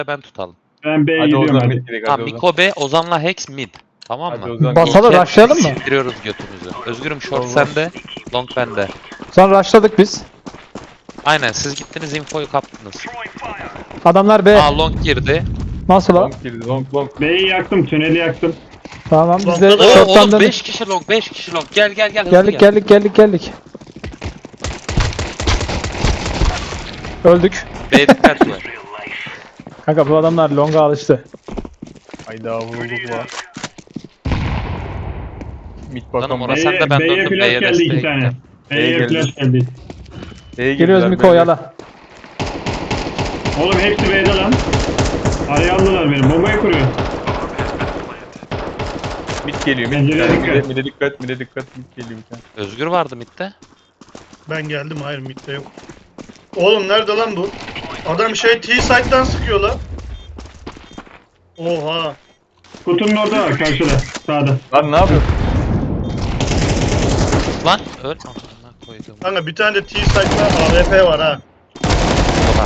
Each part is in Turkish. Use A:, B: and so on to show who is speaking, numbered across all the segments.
A: ben tutalım.
B: Ben B'ye
C: Hadi
B: gidiyorum
C: Ozan
B: hadi.
C: mid direkt
A: Tamam
C: hadi Ozan.
A: Miko B, Ozan'la Hex mid. Tamam
C: Hadi
A: mı?
C: Ozan.
D: Basalım,
A: İlker
D: rushlayalım mı?
A: sindiriyoruz götümüzü. Özgürüm short
C: Vallahi.
A: sende, long bende.
D: Sonra rushladık biz.
A: Aynen siz gittiniz infoyu kaptınız.
D: Adamlar B.
A: Aa long girdi.
D: Nasıl o?
C: Long girdi long.
B: B'yi yaktım, tüneli yaktım.
D: Tamam biz de
E: Long'da da-
A: Oo
D: short'tan
A: oğlum
D: döndük.
A: 5 kişi long, 5 kişi long. Gel hızlı
D: Geldik. Öldük.
A: B dikkat var.
D: Kanka bu adamlar longa alıştı.
C: Hayda vurulduk var. Mid
A: Canım
C: bakalım.
A: orası- sen de ben
B: B'ye
A: döndüm,
B: flash
A: B'ye
B: geldi 2
A: desteğe
B: tane.
A: gittim.
B: B'ye
C: B'ye
B: flash geldi.
C: B'ye
D: Geliyoruz
C: girdiler,
D: Miko
C: B'ye.
D: yala.
B: Oğlum hepsi B'de lan. Araya aldılar beni. Bombayı kuruyor.
C: Mid geliyor mid.
B: Pencereye dikkat.
C: Mide dikkat mid geliyor bir tane.
A: Özgür vardı midde.
E: Ben geldim, hayır midde yok. Oğlum nerede lan bu? Adam T-Side'dan sıkıyor lan. Oha.
B: Kutunun orada var karşıda. Sağda.
C: Lan ne yapıyorsun?
A: Lan öl. Amına koydum.
E: Kanka bir tane de T-Side'da AWP var ha.
A: Oha.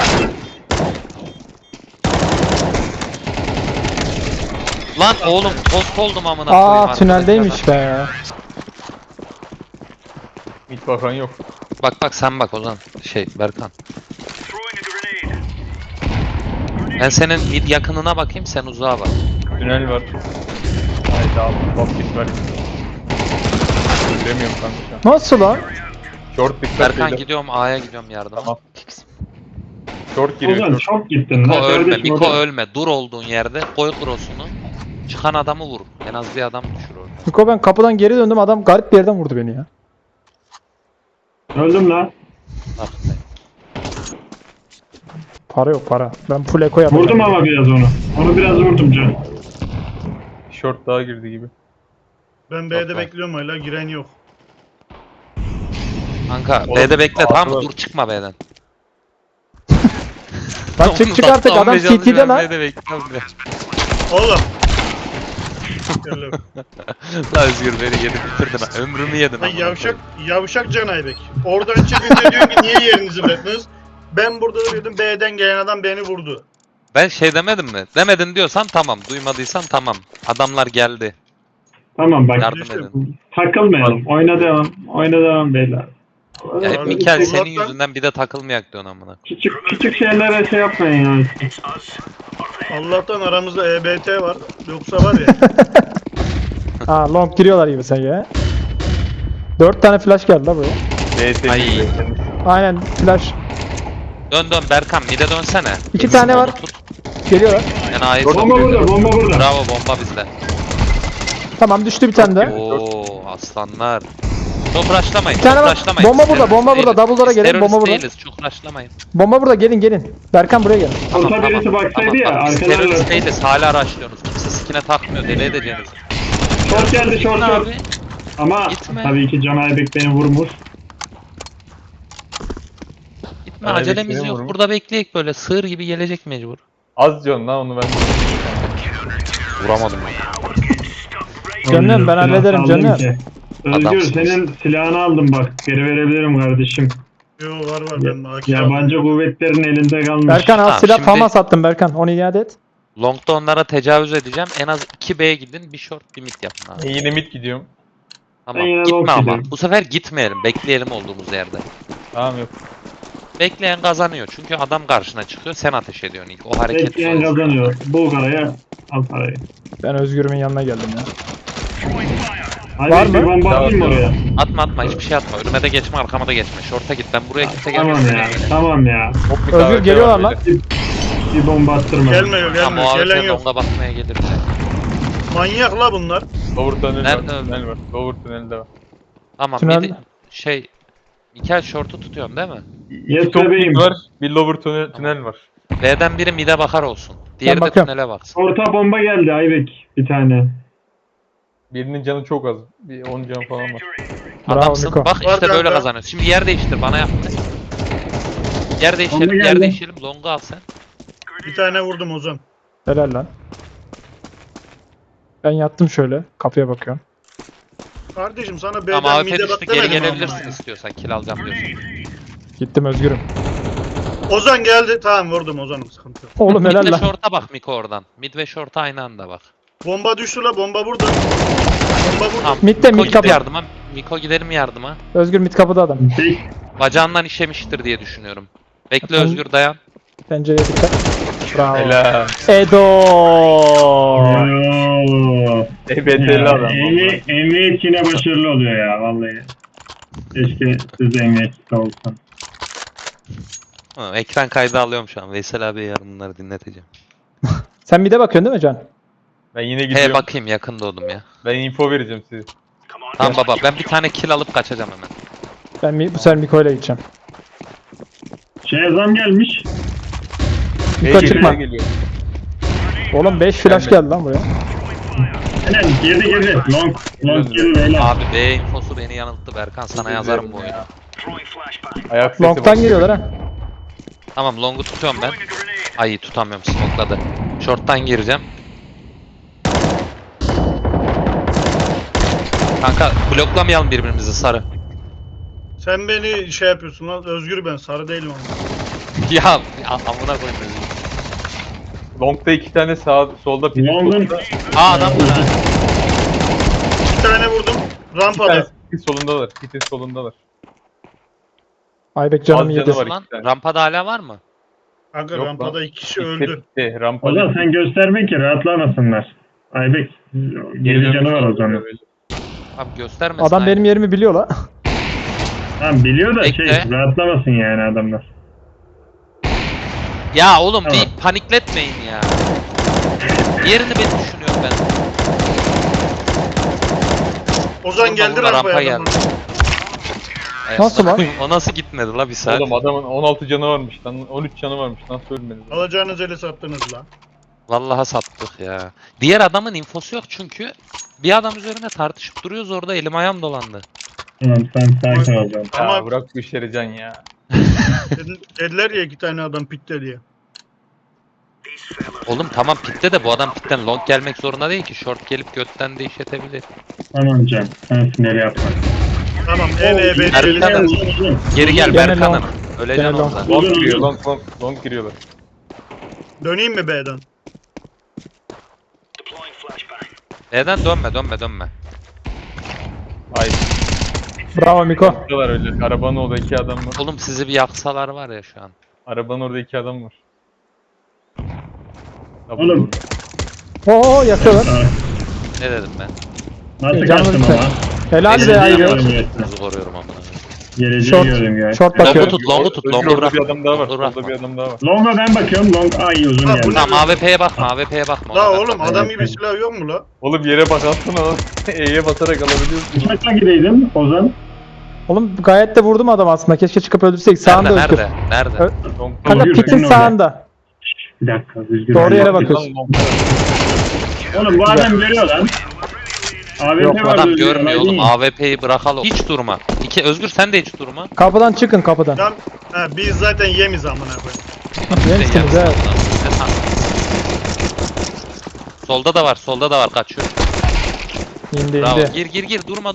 A: Lan oğlum tost oldum amına koyayım.
D: Aa tüneldeymiş be.
C: Mid bakan yok.
A: Bak sen bak Ozan. Berkan. Ben senin mid yakınına bakayım, sen uzağa bak.
C: Tünel var. Hayda basket var. Göremiyorum kanka şu an.
D: Nasıl lan?
C: Short dikkat
A: Berkan
C: beyler.
A: gidiyorum A'ya gidiyorum yardıma.
C: Tamam. Short giriyor
B: Ozan
C: short.
B: çok gittin
A: Miko
B: lan.
A: ölme,
B: Kardeşim
A: Miko
B: orada.
A: ölme. Dur olduğun yerde koy cross'unu. Çıkan adamı vur. En az bir adam düşür orada.
D: Miko ben kapıdan geri döndüm adam garip bir yerden vurdu beni ya.
B: Öldüm lan.
A: Bak.
D: Para yok para. Ben full eko yapacağım.
B: Vurdum ama biraz onu. Onu biraz vurdum can.
C: Short daha girdi gibi.
E: Ben B'de
A: Bak.
E: bekliyorum hala, giren yok.
A: Kanka
C: Oğlum,
A: B'de bekle tamam mı?
C: ağzı-
A: Dur çıkma B'den.
D: Lan çık artık adam CT'de lan.
A: B'de bekliyorum ya.
E: Oğlum. Gel lan.
A: La Özgür beni yedi bitirdin ha. Ömrümü yedin.
E: Lan
A: amına
E: yavşak Can Aybek. Oradan çıkınca diyor ki niye yerinizi bıraktınız? Ben burada duruyordum, B'den gelen adam beni vurdu.
A: Ben demedim mi? Demedin diyorsan tamam. Duymadıysan tamam. Adamlar geldi.
B: Tamam bak.
A: Yardım edin.
B: Takılmayalım. Oyna devam beyler.
A: Ya hep
E: Abi,
A: Mikel senin
E: Allah'tan-
A: yüzünden bir de takılmayak diyorsun amına.
B: Küçük şeylere şey yapmayın ya.
E: Allah'tan aramızda EBT var. Yoksa var ya.
D: Ha long giriyorlar gibi sen ya. 4 tane flash geldi la buraya.
C: BS
A: Ay.
D: Aynen flash.
A: Dön Berkan mide dönsene.
D: İki tane var.
A: Tut.
D: Geliyorlar.
A: Yani A'yı
B: Bomba burada, bomba burada.
A: Bravo bomba bizde.
D: Tamam düştü bir tane de.
A: Oo aslanlar. Çok rushlamayın.
D: Bir tane
A: çok
D: var.
A: rushlamayın.
D: Bomba
A: Biz
D: burada,
A: terörist
D: bomba burada.
A: değiliz.
D: Double'lara
A: Biz
D: gelin,
A: terörist
D: bomba burada.
A: değiliz. Çok rushlamayın.
D: Bomba burada gelin. Berkan buraya gel.
B: Orta birisi baksaydı ya,
A: Bak, biz
B: arkadan
A: terörist
B: da-
A: değiliz. Hala rushlıyorsunuz. Kimse skine takmıyor. Deli edeceğiniz.
B: Short geldi, short.
A: Abi.
B: Ama
A: Gitme.
B: tabii ki Can Aybek beni vurmuş.
A: Gitme
C: Ay,
A: acelemiz
C: bekleyin
A: yok.
C: vurumu.
A: Burada bekleyek böyle. Sığır gibi gelecek mecbur.
C: Az can lan onu ben.
A: Vuramadım.
D: Canım, ben
B: Silah
D: hallederim,
B: aldım
D: canım.
B: ki. Özgür
A: Adamsınız.
B: senin silahını aldım bak. Geri verebilirim kardeşim.
E: Yo var ben AK
B: Yabancı kuvvetlerin elinde kalmış.
D: Berkan al
A: Tamam,
D: silah
A: şimdi-
D: fama sattım Berkan. Onu iade et.
A: Long'da onlara tecavüz edeceğim. En az 2B'ye gidin. Bir short bir mid yapın abi.
C: Yine mid gidiyorum.
A: Tamam.
B: Ben yine long
A: Gitme ama.
B: gidiyorum.
A: Bu sefer gitmeyelim. Bekleyelim olduğumuz yerde.
C: Tamam yok.
A: Bekleyen kazanıyor. Çünkü adam karşına çıkıyor. Sen ateş ediyorsun ilk. O hareket.
B: Bekleyen
A: zor.
B: kazanıyor. Bul paraya, al parayı.
D: Ben Özgür'ümün yanına geldim ya.
B: Hadi
D: Var
B: bir
D: mı?
B: bomba atayım mı oraya?
A: Atma hiçbir şey atma. Önüme de geçme arkama da geçme. Short'a git. Ben buraya kimse
B: Tamam
A: gelmesin.
B: ya, tamam ya.
C: Hop, bir
D: Özgür
C: davet
D: geliyorlar
C: var
D: lan.
C: böyle.
B: Bir bomba attırma.
E: Gelmiyor
A: Tamam o
E: gelen
A: AWP
E: yok.
A: longa bakmaya gelir bize.
E: Manyak la bunlar.
C: Lower tünel
A: Nerede
C: var.
A: öldü?
C: Tünel var. Lower tünelde var.
A: Tamam
D: Tünel-
A: midi Mikel short'u tutuyorum değil mi?
B: Yes
C: Bir top
B: bebeğim.
C: mid var. Bir lower tünel var.
A: B'den biri mid'e bakar olsun. Diğeri de
D: bakıyorum.
A: tünele baksın.
B: Orta bomba geldi Aybek bir tane.
C: Birinin canı çok az. Bir 10 can falan var.
D: Bravo
A: Adamsın.
D: Miko.
A: Bak
E: Var
A: işte böyle
E: kanka.
A: kazanıyorsun. Şimdi yer değiştir bana yaptı. Yer
B: Bomba
A: değiştirelim, yer
B: geldi.
A: değiştirelim. Long'u al sen.
E: Bir tane vurdum Ozan.
D: Helal lan. Ben yattım şöyle. Kapıya bakıyorum.
E: Kardeşim sana B'den
A: Ama AWP
E: mid'e
A: düştü
E: bak
A: geri
E: demedim
A: gelebilirsin
E: ama.
A: istiyorsan. Kill alacağım diyorsun.
D: Gittim Özgür'üm.
E: Ozan geldi. Tamam vurdum Ozan'ım, sıkıntı yok.
D: Oğlum
A: Mid
D: helal
A: ve
D: lan.
A: short'a bak Miko oradan. Mid ve short'a aynı anda bak.
E: Bomba düştü la, bomba burada. Bomba burada.
A: Tamam.
D: Mid'de
A: Miko
D: mid kapı.
A: git yardıma. Miko gidelim yardıma.
D: Özgür mid kapıda adam.
B: Tek
A: Bacağından işemiştir diye düşünüyorum. Bekle
D: Tamam.
A: Özgür dayan.
D: Pencereye dikkat. Bravo.
C: Helal.
D: Edo.
B: Oo.
C: EBT'li adam.
B: Emniyet yine başarılı oluyor ya vallahi. Keşke siz de emniyetçi olsan.
A: Ha, ekran kaydı alıyorum şu an. Veysel abiye yarın bunları dinleteceğim.
D: Sen mid'e bakıyorsun değil mi Can?
C: Ben yine
A: He
C: gidiyorum.
A: bakayım yakın doğdum ya.
C: Ben info vereceğim size.
A: Tamam baba ben bir tane kill alıp kaçacağım hemen.
D: Ben bu sefer Miko ile gideceğim.
B: Zam gelmiş.
D: Miko
C: Bey
D: çıkma.
C: geliyor.
D: Oğlum 5 flash geldi lan buraya.
B: Aynen girdi. Long girdi beyler.
A: Abi B infosu beni yanılttı Berkan sana yazarım bu oyunu.
C: Ayak sesi
D: Long'tan
C: var.
D: giriyorlar ha.
A: Tamam long'u tutuyorum ben. Ay tutamıyorum smokladı. Short'tan gireceğim. Kanka bloklamayalım birbirimizi sarı.
E: Sen beni şey yapıyorsun lan. Özgür ben, sarı değilim ama.
A: Ya amına koyayım Özgür.
C: Long'da 2 tane solda pil.
B: Long'un
A: Aa adam var.
E: Bir tane vurdum.
C: Bir
E: Rampada.
C: tanesi pitin solundalar. Pitin solundalar.
D: Ayberk canım
C: Az
D: yedi.
C: canı var.
A: Lan
C: iki tane.
A: rampada hala var mı?
E: Kanka
C: Yok
E: rampada
C: lan.
E: 2 kişi öldü.
C: Bitti. Rampada.
B: Ozan sen gösterme ki rahatlamasınlar. Aybek geri canı var o zaman.
A: Abi göstermesin.
D: Adam
A: aynı.
D: benim yerimi biliyor la.
B: Tamam biliyor da
A: Bekle.
B: rahatlamasın yani adamlar.
A: Ya oğlum
B: Tamam.
A: bir panikletmeyin ya. Diğerini ben düşünüyorum ben.
E: Ozan
A: Oğlum,
E: geldi
A: burada
E: rampaya.
A: rampa
E: adam.
A: geldi. Ay,
D: Nasıl lan?
A: O nasıl gitmedi la bir saat?
C: Oğlum adamın 16 canı varmış lan. 13 canı varmış. Nasıl ölmedi?
E: Alacağınız eli sattınız lan.
A: Vallahi sattık ya. Diğer adamın infosu yok çünkü. Bir adam üzerine tartışıp duruyoruz orada elim ayağım dolandı.
B: Tamam sen sakin ol canım.
C: Ya
E: Ama-
C: bırak bu işleri Can ya.
E: Dediler ya 2 tane adam pitte diye.
A: Oğlum tamam pitte de bu adam pitten long gelmek zorunda değil ki. Short gelip götten de işletebilir.
B: Tamam can. Sen sinirli yapma.
E: Tamam en
A: Erkan-
E: EBT'li.
A: Geri gel
D: Gene
A: Berkan'ım.
D: long.
A: Öleceksin
D: Gene long.
A: oradan.
C: Long giriyor. Long giriyorlar.
E: Döneyim mi B'den?
A: Neden dönme.
C: Hayır.
D: Bravo Miko.
C: Buradalar öyle. Arabanın orada 2 adam var.
A: Oğlum sizi bir yaksalar var ya şu an.
C: Arabanın orada 2 adam var.
B: Oğlum.
D: Oo yakıyorlar.
B: Aa,
A: Ne dedim ben?
B: nasıl
D: Canım
B: kaçtım
D: lütfen.
B: ama?
D: Helal be
B: Geleceği
D: Ayberk.
B: gördüm.
A: Sizi koruyorum amına.
B: Geleceği
D: Short.
B: gördüm ya.
D: Short
A: Longu
D: bakıyorum.
A: tut, longu tut,
C: Özgür
A: longu
C: orada
A: bırak.
C: bir adam daha var.
A: Longu bırakma.
C: Orada bir adam daha var.
B: Long'a ben bakıyorum. Long ay uzun
E: Ha, bu
B: geldi.
E: ne?
A: Tamam AWP'ye bakma, AWP'ye bakma.
E: La
A: ona
E: oğlum
A: bakma.
E: adam gibi silah yok mu la?
C: Oğlum yere bak atsana lan. E'ye basarak alabiliyorsun.
B: Kaçtan gideydin Ozan?
D: Oğlum gayet de vurdum adam aslında. Keşke çıkıp öldürsek. Sağında Özgür.
A: Nerede?
D: Ö-
C: Long
D: Kanka
B: Özgür,
D: pitin
B: Özgür orada.
D: sağında.
B: Bir dakika düzgün.
D: Doğru yere
B: Bak.
D: bakıyorsun.
B: Oğlum bu adam görüyor lan. AWP
D: Yok,
B: var
A: Adam
B: düzgün,
A: görmüyor
B: olay
A: oğlum.
B: değil.
A: AWP'yi bırakalım. Hiç durma. Özgür sen de hiç durma.
D: Kapıdan çıkın kapıdan.
E: Tam biz zaten yemiz amına koyayım.
D: Yemişsiniz
A: Sen
D: evet.
A: ne sandın? Solda da var. Kaçıyor.
D: İndi
A: Bravo.
D: indi.
A: Gir. Durma.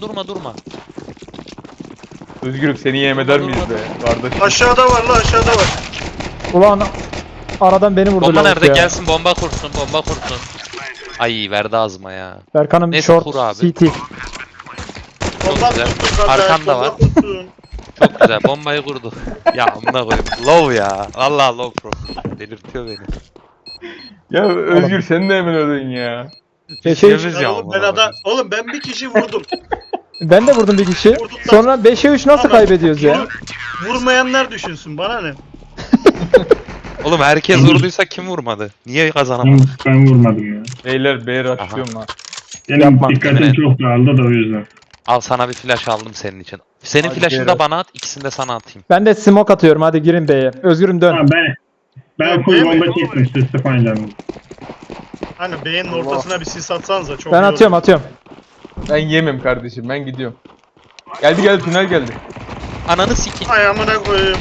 C: Özgürüm seni yem eder miyiz be? Kardeşim.
E: Aşağıda var la, aşağıda var.
D: Ulan aradan beni vurdu
A: Bomba
D: lavuk
A: nerede?
D: ya.
A: Gelsin bomba kursun. Ay verdi ağzıma ya.
D: Berkan'ım
A: Neyse,
D: short
A: kur abi.
D: CT.
E: Bomba
A: güzel.
E: tutun kanka.
A: Arkanda
E: bomba
A: var.
E: tutun.
A: Çok güzel. Bombayı kurdu. Ya amına koyayım. Low ya. Vallahi low pro. Delirtiyor beni.
C: Ya Özgür sen de hemen öldün ya.
A: Düşüyoruz ya
E: Oğlum ben
A: amına
E: adam,
A: koyayım.
E: oğlum ben bir kişi vurdum.
D: Ben de vurdum bir kişi.
E: Vurdum da-
D: Sonra 5'e 3 nasıl
E: Ama
D: kaybediyoruz ya?
E: Vurmayanlar düşünsün, bana ne?
A: Oğlum herkes vurduysa kim vurmadı? Niye kazanamadı?
B: Ben vurmadım ya.
C: Beyler B rushlıyorum ha.
B: Benim
D: Yapma.
B: dikkatim
A: Evet.
B: çok dağıldı da o yüzden.
A: Al sana bir flash aldım senin için. Senin
C: Hadi
A: flash'ını da
C: Berat.
A: bana at, ikisini de sana atayım.
D: Ben de smoke atıyorum hadi girin B'ye. Özgürüm dön.
B: Tamam ben
E: Yok,
B: full
E: değil mi?
B: bomba çektim siz sıfayla.
E: Hani beynin ortasına bir sis atsanıza çok
D: Ben
E: iyi
D: atıyorum
E: olur.
D: atıyorum.
C: Ben yemem kardeşim ben gidiyorum. Geldi tünel geldi.
A: Ananı sikeyim.
E: Ay amına koyayım.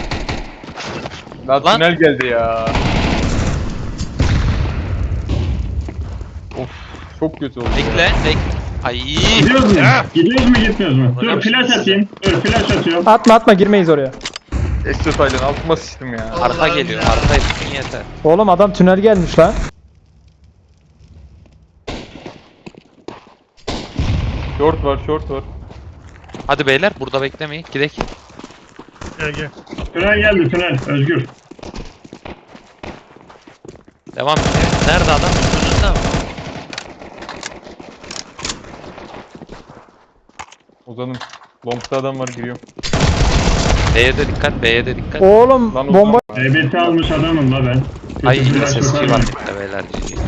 C: Lan
A: Lan.
C: tünel geldi ya. Of çok kötü oldu ya.
A: Bekle. Ay.
B: Gidiyoruz mu?
A: Ah!
B: Gidiyoruz mu gitmiyoruz mu?
A: Hocam
B: Dur flash
A: şimdi
B: atayım. Dur flash atıyorum.
D: Atma girmeyiz oraya.
C: Ekstra Taylan altıma sıçtım ya.
A: Arka
E: Allah'ım
A: geliyor.
E: ya.
A: Arka için yeter.
D: Oğlum adam tünel gelmiş lan.
C: Short var, short var.
A: Hadi beyler burada beklemeyin. Gidek.
E: Gel gel.
B: Tünel geldi tünel. Özgür.
A: Devam et. Nerede adam? Önünde mi?
C: Ozan'ım. Long'da adam var, giriyorum.
A: B'ye de dikkat. B'ye de dikkat.
D: Oğlum
C: Lan
D: bomba.
C: Ozan.
B: EBS almış adamım la ben.
A: Ay
B: Kötü
A: yine
B: flash
A: SSG
B: yok
A: var
B: abi.
A: bitti beyler. GG.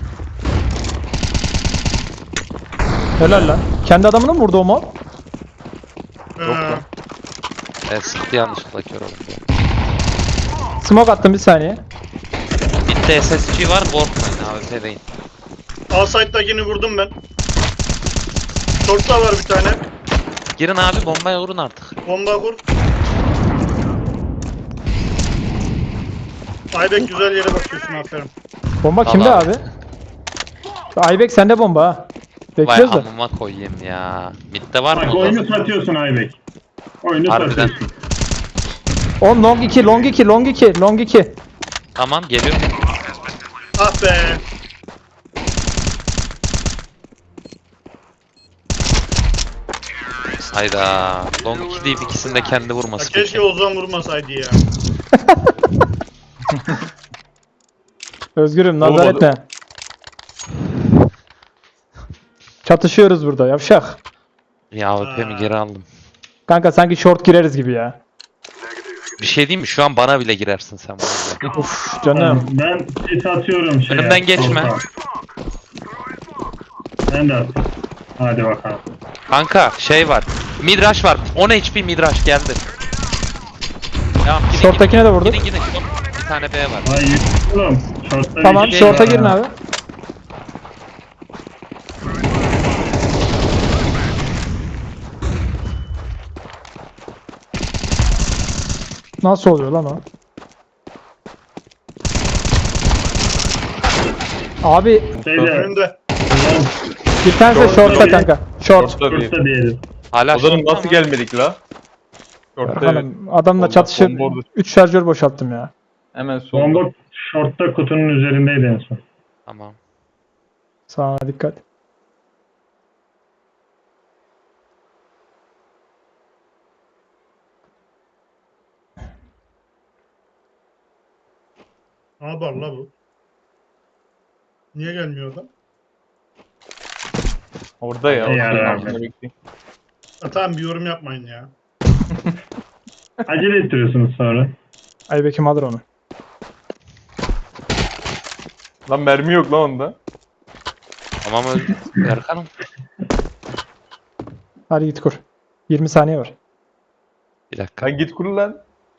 D: Helal lan. Kendi adamını mı vurdu o mal?
E: Ee,
A: Sıktı yanlışlıkla kör oldu.
D: Smoke attım bir saniye.
A: Bitti SSG var. Korkmayın AWP değil.
E: Alside'dakini vurdum ben. Short'ta var bir tane.
A: Girin abi bombaya vurun artık.
E: Bomba kur. Aybek güzel yere bakıyorsun aferin.
D: Bomba
A: Vallahi
D: kimde
A: abi.
D: abi? Aybek sende bomba ha.
A: Vay
D: Bekliyoruz da.
A: amıma koyayım ya. Mid'de var mı?
B: Bak
A: o
B: oyunu
A: zaman?
B: satıyorsun Aybek. Oyunu
A: Harbiden.
B: satıyorsun.
D: On long 2, long 2, long 2, long 2.
A: Tamam geliyor.
E: Ah be.
A: Hayda. Long 2 deyip ikisini de kendi
E: Ya
A: vurması
E: keşke
A: peki.
E: Ozan vurmasaydı ya.
D: Özgürüm nazar
C: Oğlum,
D: etme. Çatışıyoruz burada yavşak.
A: Ya AWP'mi geri aldım.
D: Kanka sanki short gireriz gibi ya.
A: Bir şey diyeyim mi? Şu an bana bile girersin sen bu arada.
D: Uf canım.
B: Ben sis atıyorum şeye.
A: Önümden geçme.
B: solda. Ben de atayım. Hadi bakalım.
A: Kanka şey var. Midrash var. 10 HP Midrash geldi. Tamam gidin
D: Short'takine de vurduk.
A: gidin. Gidin. Bir tane B var.
B: Ay oğlum. Short'ta
D: Tamam
B: bir şey
D: short'a
B: var
D: girin
B: ha.
D: abi. Nasıl oluyor lan o? Abi
B: Şeyde.
E: Önünde.
D: bir tanesi de
B: Short'ta
D: short'ta
B: bir-
D: kanka. Short.
C: Short'ta değil.
B: Short'ta diyelim.
A: Hala
C: Ozan'ım
A: short'ta
C: nasıl
A: ama
C: gelmedik la? Short'ta evet.
D: Hanım, adamla
C: Bomba-
D: çatışıp
C: bomba orada.
D: 3 şarjör boşalttım ya.
C: Hemen solda.
B: Bomba short'ta kutunun üzerindeydi en son.
A: Tamam.
D: Sağına dikkat.
E: Ne yapar la bu? Niye gelmiyor adam?
C: Orada ya.
B: Ya,
C: Ozan'ın
B: ya.
C: altında bekliyor.
E: Ha, tamam bir yorum yapmayın ya.
B: Acele ettiriyorsunuz sonra.
D: Aybek'im alır onu.
C: Lan mermi yok lan onda.
A: Tamam öldü. Erkan'ım.
D: Hadi git kur. 20 saniye var.
A: Bir dakika.
C: Lan git kur lan.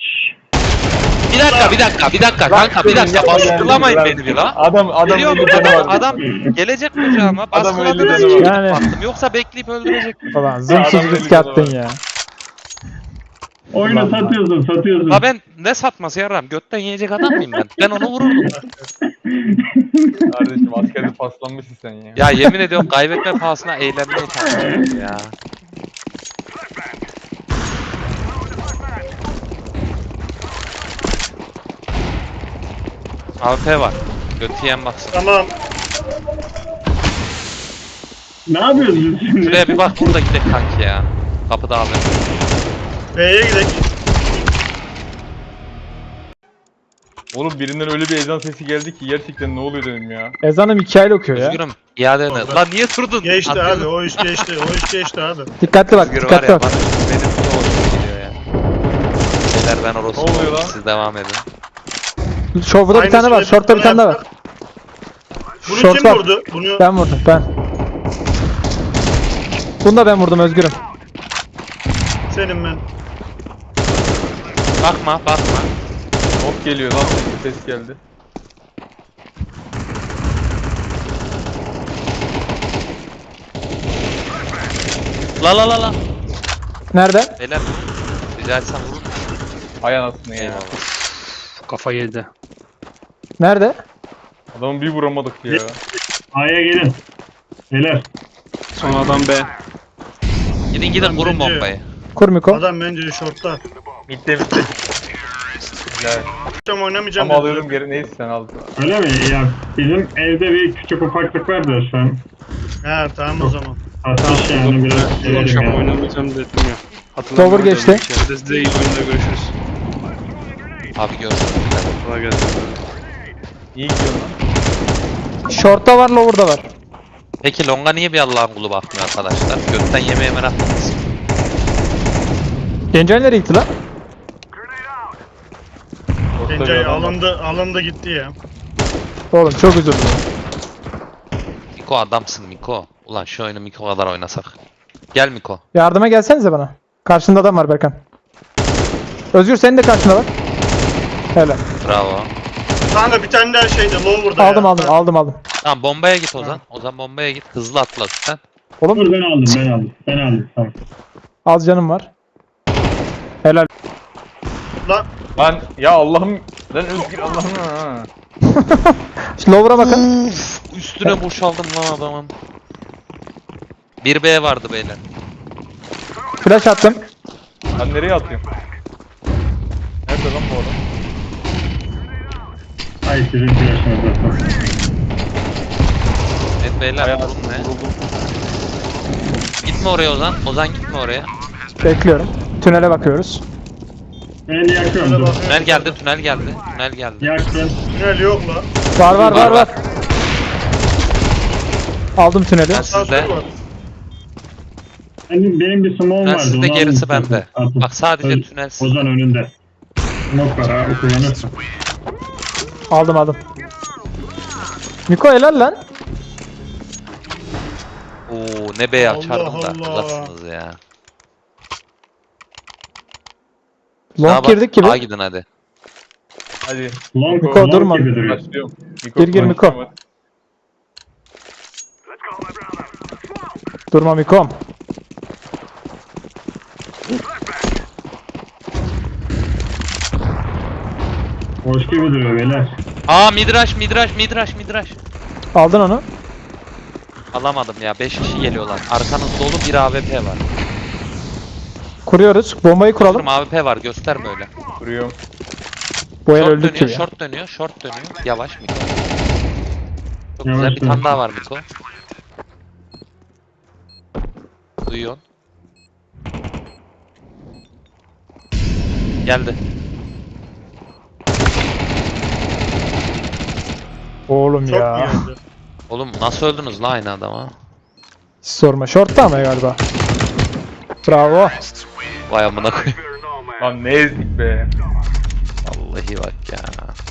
A: Bir dakika kanka bir dakika baskılamayın beni bir la.
C: Adam
A: Geliyor
C: 50 canı var.
A: adam gelecek kucağıma
C: Adam
A: baskıladınız
C: öyle
A: ki
C: dedi.
D: Yani-
A: baktım yoksa bekleyip öldürecek.
D: Ulan zoomsuz
C: adam
D: riske
C: belli
D: attın
C: canavar.
D: ya.
B: Oyunu
C: Ulan.
B: satıyorsun.
A: Ha ben ne satması yaram götten yiyecek adam mıyım ben? Ben onu vururdum.
C: Kardeşim askerde paslanmışsın sen ya.
A: Ya yemin ediyorum kaybetme pahasına eğlenmeyi tanıyorum ya. AWP var. Götü yiyen baksın.
E: Tamam.
B: Ne yapıyoruz biz şimdi?
A: Şuraya bir bak burada gidelim kanki ya. Kapıda abi.
E: B'ye gidelim.
C: Oğlum birinden öyle bir ezan sesi geldi ki gerçekten ne oluyor dedim ya.
D: Ezanım hikaye okuyor ya.
A: Üzgünüm. İade ne? Lan niye durdun?
E: Geçti
A: Atıyorsun.
E: abi. O iş geçti. O iş geçti abi.
D: Dikkatli bak,
A: Özgür var
D: dikkatli
A: ya
D: bak.
A: bana benim de hoşuma gidiyor ya. Beyler ben orası
C: Ne oluyor lan?
A: siz devam edin.
D: Short'ta bir tane var,
E: Aynısını
D: short'ta bir tane daha var.
E: yapsak. Bunu
D: Short
E: kim
D: var.
E: vurdu? Bunu
D: Ben vurdum, ben. Bunu da ben vurdum Özgürüm.
E: senin ben.
A: Bakma.
C: Hop geliyor lan bir ses geldi.
A: La.
D: Nerede?
A: Beyler rica etsem vurun.
C: Hay anasını ya.
A: Eyvallah.
F: Kafa yedi.
D: Nerede?
C: Adamı bir vuramadık ya.
B: A'ya gelin. Beyler.
F: Son adam B.
A: Gidin vurun
E: bence-
A: bombayı.
D: Kur Miko.
E: Adam bence short'ta.
C: Bitti. Ya,
E: Tam oynamayacağım
C: ama
E: dedi.
C: alıyordum geri, neyse sen aldın.
B: Öyle mi? Ya bizim evde bir küçük ufaklık var da şu an.
E: He tamam o zaman.
B: Atış yani biraz
F: Bu
B: severim
F: akşam
B: ya.
F: oynamayacağım dedim ya.
D: Lower geçti.
F: Hadi size iyi oyunda görüşürüz.
A: Abi gördüm.
F: Kolay gelsin.
C: İyi gidiyorsun lan.
D: Short'ta var, lower'da var.
A: Peki Long'a niye bir Allah'ın kulu bakmıyor arkadaşlar? Gökten yemeğe meraklıyız.
D: Gencay nereye gitti lan?
C: Ortada bir
E: Gencay
C: adam var.
E: alındı gitti ya.
D: Oğlum çok üzüldüm.
A: Miko adamsın Miko. Ulan şu oyunu Miko kadar oynasak. Gel Miko.
D: Yardıma gelsenize bana. Karşında adam var Berkan. Özgür senin de karşında var. Helal.
A: Bravo.
E: Kanka bir tane daha şeyde lower'da
D: Aldım
E: ya.
D: aldım.
A: Tamam bombaya git Ozan. Ozan bombaya git. Hızlı atla üstten.
D: Oğlum
B: Dur ben aldım. Tamam.
D: az canım var. Helal.
E: Lan
C: Lan ya Allah'ım. Lan Özgür Allah'ım ha.
D: Şu lower'a bakın.
A: Üstüne boşaldım lan adamın. 1B vardı beyler.
D: Flash attım.
C: Ben nereye atıyorum? Nerede lan bu adam?
B: Ay sizin flaşınız zaten.
A: Evet beyler
C: Bayağı
A: durum ne?
C: vuruldum.
A: Gitme oraya Ozan. Ozan gitme oraya.
D: Bekliyorum. Tünele bakıyoruz.
B: Ben yakıyorum
E: şöyle
B: dur.
E: bakıyorum.
A: Tünel geldi, tünel geldi. Tünel geldi.
B: Yaktım.
E: Tünel yok lan.
D: Var. Aldım tüneli.
A: Ben sizde.
E: Sağ var.
B: Benim bir smoke'um
A: Ben
B: vardı.
A: sizde,
B: onu
A: gerisi
B: aldım
A: bende.
B: zaten.
A: Bak sadece
B: Öyle.
A: tünel.
B: Ozan önünde. Smoke var ha, o kullanırsın.
D: Aldım. Miko helal lan.
A: Oo ne B'yi
E: Allah
A: açardım da.
E: Allah.
A: Uzaksınız ya.
D: Long
A: Sağa bak,
D: girdik gibi.
A: sağa gidin hadi.
C: Hadi.
D: Miko,
B: Long
D: durma.
B: gibi duruyor.
C: Başlıyorum.
D: Gir, Miko.
C: başlıyorum hadi.
D: Durma Mikom.
B: Hoş gibi duruyor beyler.
A: Aa midrash.
D: Aldın onu.
A: Alamadım ya. 5 kişi geliyorlar. Arkanız dolu, bir AWP var.
D: Kuruyoruz. Bombayı kuralım.
A: Oğlum AWP var, gösterme öyle.
C: Vuruyorum.
D: Bu el
A: Short
D: öldük
A: dönüyor,
D: gibi ya.
A: short dönüyor. Yavaş Miko. Çok
B: Yavaş
A: güzel, bir
B: dön.
A: tane daha var Miko. Duyuyorsun. Geldi.
D: Oğlum
E: Çok
D: ya.
E: mu geldi?
A: Oğlum nasıl öldünüz la aynı adama?
D: Hiç sorma. Short'ta ama galiba. Bravo.
A: Vay amına koyayım.
C: Lan ne ezdik be.
A: Vallahi bak ya.